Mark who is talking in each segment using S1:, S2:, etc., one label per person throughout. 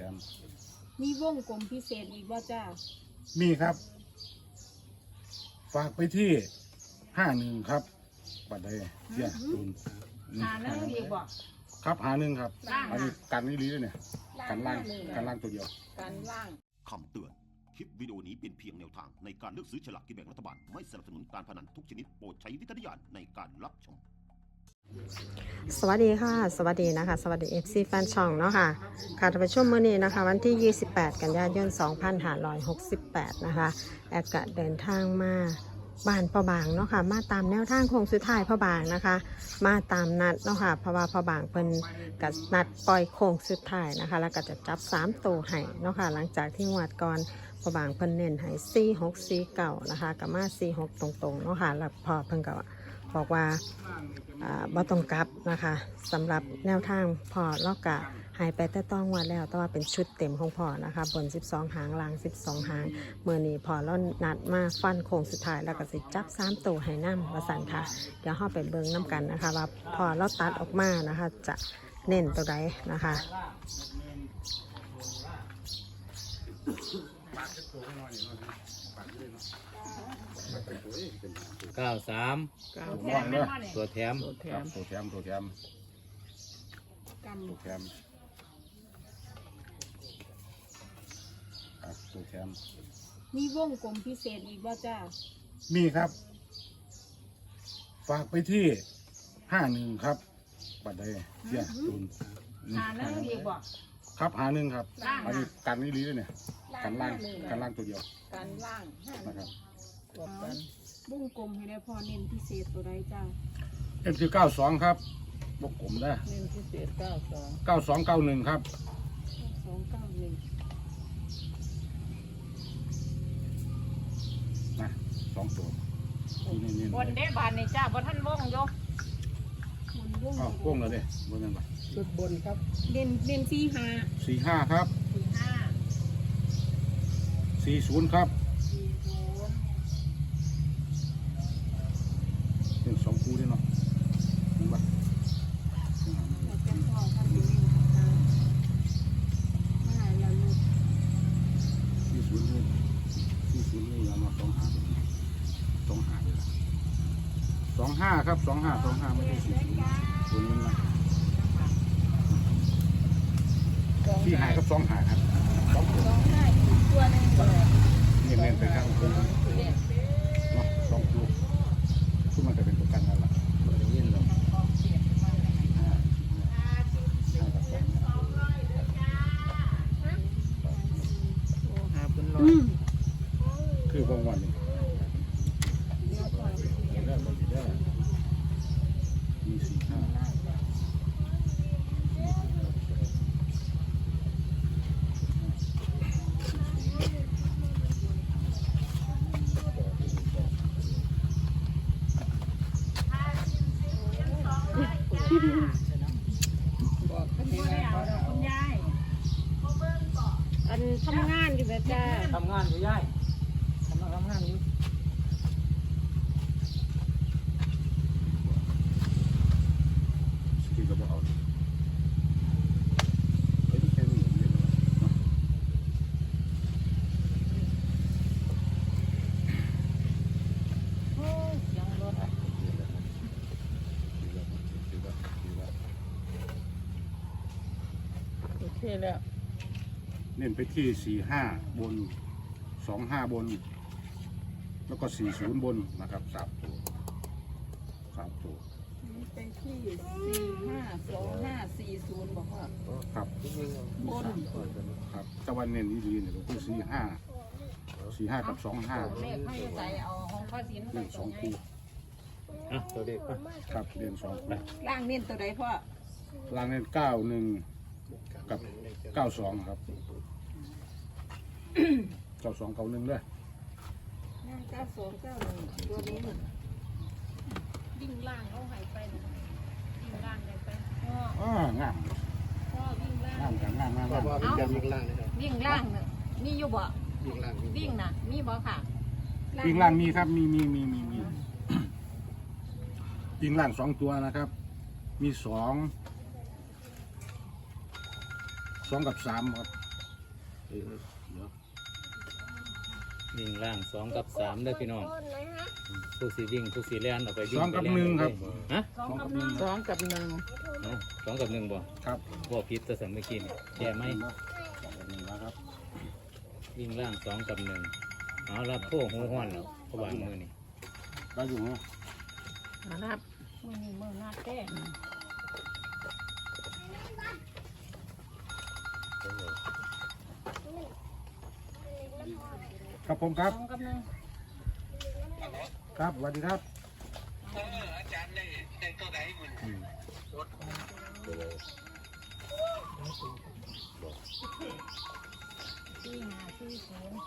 S1: ม
S2: มีวงกลมพิเศษอีกว่าจ้า
S1: มีครับ ฝากไปที่51ครับบัดใดเสียตูน
S2: หาแล้วอีกบ่
S1: ครับ51ครับอันนี้กันนี่ลีด้วยเนี่ยกันล่างตัวเดียว
S2: การล่าง
S3: คำเตือน คลิปวิดีโอนี้เป็นเพียงแนวทางในการเลือกซื้อฉลากกินแบ่งรัฐบาล ไม่สนับสนุนการพนันทุกชนิดโปรดใช้วิจารณญาณในการรับชม
S4: สวัสดีค่ะสวัสดีนะคะสวัสดี FC แฟนช่องเนาะค่ะค่ะท่านผู้ชมมื้อนี้นะคะวันที่ 28 กันยายน 2568 นะคะแอดกะเดินทางมาบ้านพ่อบางเนาะค่ะมาตามแนวทางโค้งสุดท้ายพ่อบางนะคะมาตามนัดเนาะค่ะเพราะว่าพ่อบางเพิ่นกับนัดปล่อยโค้งสุดท้ายนะคะแล้วก็จะจับ3ตัวให้เนาะค่ะหลังจากที่งวดก่อนพ่อบางเพิ่นเน้นให้4649นะคะกับมา46ตรงๆเนาะค่ะแล้วพอเพิ่นก็บอกว่าบ่ต้องกลับนะคะสำหรับแนวทางพอลอกกะหายไปแต่ต้องวันแล้วแต่ว่าเป็นชุดเต็มของพอนะคะบน12หางล่าง12หางเมื่อนี้พอแล้วนัดมาฟันโค้งสุดท้ายแล้วก็สิจับ3ตัวให้นำว่าสั่นค่ะเดี๋ยวเฮาไปเบิ่งนํกันนะคะว่าพอเราตัดออกมานะคะจะเน้นตัวใดนะคะ
S5: 93ตัวแถม
S1: ครับตัวแถม
S2: กัน
S1: ตัวแถมตัวแถม
S2: มีวงกลมพิเศษอีกว่าจ้า
S1: มีครับ ฝากไปที่51ครับบัดใดเสียตูน
S2: หาแล้วอีกบ่
S1: ครับ51ครับอันนี้กันนี่ลีด้วยเนี่ยกันล่างตัวเดียว
S2: การล่าง
S1: นะครับ
S2: วงกลมให้ได้พอเน้นพิเศษตัวใดจ้า
S1: เอ็มคือ92ครับบกกลมได้
S2: เน้นพิเศษ92
S1: 9291ครับ
S2: 291
S1: นะ2ตัวนี่
S6: บนเด้บานนี่จ้าบนท่านวงโย
S2: มันวง
S1: อ้าวพ่วงเลยดิบนนั้นปะ
S2: เน้น45
S1: 45ครับ
S2: 45
S1: 40ครับเป็น2คู่ด้วยเนาะเห็นปะ
S2: เราจะพอท่านอยู่นี่นะคะมาหาเราลูก
S1: 40นี่เอามา25เลย25ครับ25ไม่ใช่40ตัวนี้นะที่หายครับ25ครับ2ตัว
S2: 2ได้อีกตัวหนึงเลย
S1: นี่เน้นไปข้างตัวเนาะ2คู่ซึ่งมันจะเป็นตัวกันนั่นแหละยินเราคือบางวันนี่ได้บริได้มี45
S2: คุณยายอันทำงานอยู่แบบจ้า
S5: ทำงานอยู่ย่ายทำงานอยู่
S1: ที่เราบอกเอาแค่นี้เนาะ
S6: ยังรถ
S2: โอเคแล้ว
S1: เน้นไปที่45บน25บน แล้วก็40บนนะครับ3ตัว
S2: ไปที่452540บอกว่า
S1: ครับ
S2: บน
S1: ครับตะวันเน้นดีๆเนี่ยก็คือ45กับ25
S6: เลขให้ใส่เอาห้องพระศิลป์
S1: เล่น2คู่
S5: ตัวเด็กป่ะ
S1: ครับเล่น2คู่
S2: ล่างเน้นตัวใดพ่อ
S1: ล่างเน้น91กับ92ครับ92 91ด้วย
S2: ล่าง9291ตัวนี้
S6: วิ่งล่างเขาหายไปนะวิ่งล่างเลยไปพ่อ
S1: งาม
S6: พ่อวิ่งล่าง
S1: งามกันงาม
S5: วิ่งล่างเลย
S6: วิ่งล่างเนี่ยมีอยู่บ่วิ่งนะมีบ่ค่ะ
S1: วิ่งล่างมีครับมีวิ่งล่าง2ตัวนะครับ มี2กับ3ครับเดี๋ยว
S5: วิ่งล่าง2 กับ 3เด้อพี่น้องผู้สีวิ่งผู้สีแล่นออกไปวิ่ง
S1: 2 กับ 1ครับ
S5: ฮะ
S1: 2 กับ 1
S2: 2 กับ 1
S5: เอา2 กับ 1บ่
S1: ครับ
S5: บ่ผิดแต่สมัยกี้นี่แย่ไหม
S1: 2 กับ 1นะครับ
S5: วิ่งล่าง2 กับ 1เอาละโพหูห้อนแล้วเพราะวางมือนี่
S1: ได้อยู่ฮะ
S2: มานับ
S6: มือนี่มือหน้าแก้
S1: ครับผมครับ
S6: 2 กับ 1
S1: ครับสวัสดีครับ
S6: ที่หาที่ศูนย์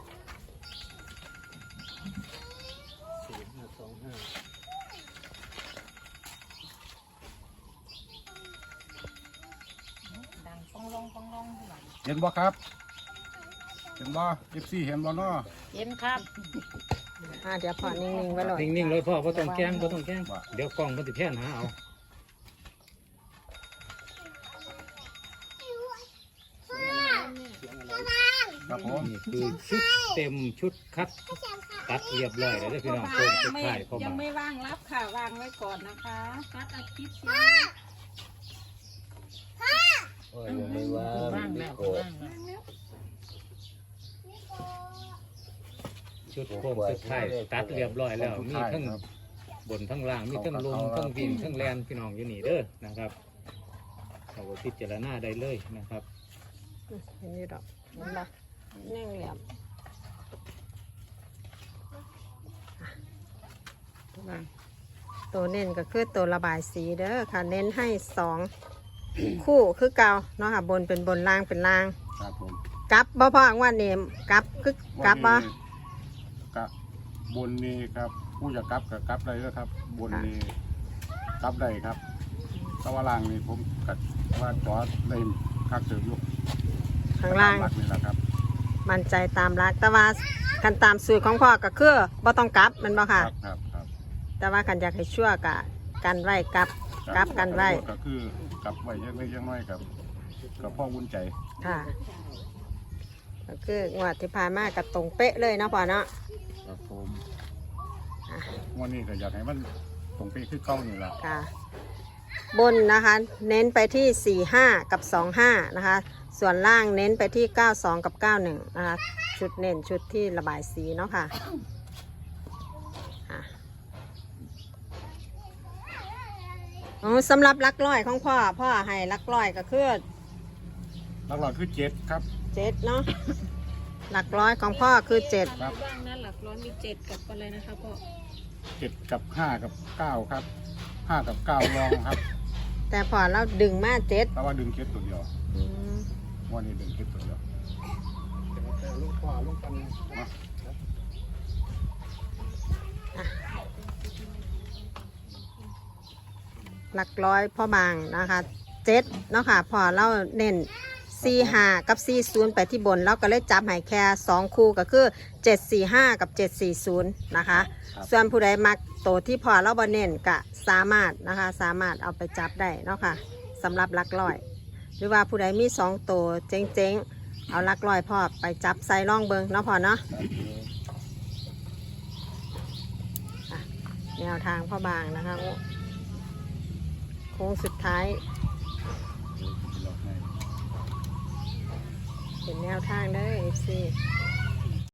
S6: ดังปองลงปองลงหลัง
S1: เห็นบ่ครับ เห็นบ่ FC เห็นบ่เนาะ
S6: เห็นครับ
S4: เดี๋ยวพอนิ่งๆไว้เลย
S5: นิ่งๆเลยพ่อบ่ต้องแกล้งบ่ต้องแกล้งเดี๋ยวกล้องมันสิแพนหาเอา
S1: ครับผม
S5: นี่คือชุดเต็มชุดคัดตัดเรียบร้อยแล้วเด้อพี่น้องโค้งสุดท้ายพ่อ
S2: ยัง
S5: มา
S2: ไม่ว่างรับค่ะวางไว้ก่อนนะคะ
S6: ตัดอาทิตย์
S5: โอ้ยยังไม่ว่า
S2: ว่างแล้วว่างแล้ว
S5: ชุดโค้งสุดท้ายตัดเรียบร้อยแล้วมีทั้ง
S1: ครับ
S5: บนทั้งล่างมีทั้งลมทั้งวิ่งทั้งแลนพี่น้องอยู่นี่เด้อนะครับเอาไว้พิจารณาได้เลยนะครับ
S4: เห็นอยู่ดอกเห็นปะแน่งเหลี่ยมตัวเน้นก็คือตัวระบายสีเด้อค่ะ เน้นให้2 คู่คือเก่าเนาะค่ะ บนเป็นบนล่างเป็นล่าง
S1: ครับผม
S4: กลับบ่พอว่าเนมกลับคือกลับบ่
S1: กับบนนี้ครับผู้จะกลับกับกลับได้แล้วครับ บนนี้กลับได้ครับแตะวันล่างนี่ผมกัดว่าจอดได้คักเติมอยู่
S4: ข้างล่าง
S1: หลักนี่แหละครับ
S4: มั่นใจตามรักแต่ว่าคันตามสูตรของพ่อก็คือบ่ต้องกลับแมันบ่
S1: ค
S4: ค่ะ
S1: รับครับครับ
S4: แต่ว่าคันอยากให้ชั่วกะกันไว้กลับกันไว้
S1: ก็คือกลับไว้ยังไม่ยังน้อยกับพ่อวุ้นใจ
S4: ค่ะก็คืองวดที่ผ่านมากับตรงเป๊ะเลยเนาะพ่อเนาะ
S1: ครับผมวันนี้ก็อยากให้มันตรงไปขึ้นเก้านี่แหละ
S4: ค่ะ บนนะคะ เน้นไปที่ 45 กับ 25 นะคะ ส่วนล่างเน้นไปที่ 92 กับ 91 นะคะ ชุดเน้นชุดที่ระบายสีเนาะค่ะสำหรับลักร้อยของพ่อให้ลักร้อยก็คือ
S1: หลักๆคือ7ครับ
S4: 7เนาะ หลักร้อยของพ่อคือ 7
S1: ครับ
S6: ว่างนั้นหลักร้อยมี7กับอะไรนะคะพ่อ
S1: 7กับ5กับ9ครับ5กับ9รองครับ
S4: แต่พอเราดึงมา7
S1: แต่ว่าดึงเก็บตัวเดียววันนี้ดึงเก็บตัวเดียวลูกขวาลูกกันนะ
S4: หลักร้อยพ่อบางนะคะ7เนาะค่ะพอเราเน้น45 กับ40ไปที่บนแล้วก็เลยจับให้แค่2คู่ก็คือ745 กับ740นะคะส่วนผู้ใดมักโตวที่พอเราบ่เน้นก็สามารถนะคะสามารถเอาไปจับได้เนาะค่ะสำหรับหลักร้อย หรือว่าผู้ใดมี2ตัวเจ๊งๆเอาหลักร้อยพ่อไปจับใส่ร่องเบิงเนาะพอเนาะอ่ะแนวทางพ่อบางนะคะโค้งสุดท้าย เป็นแนวทางเด้อ FC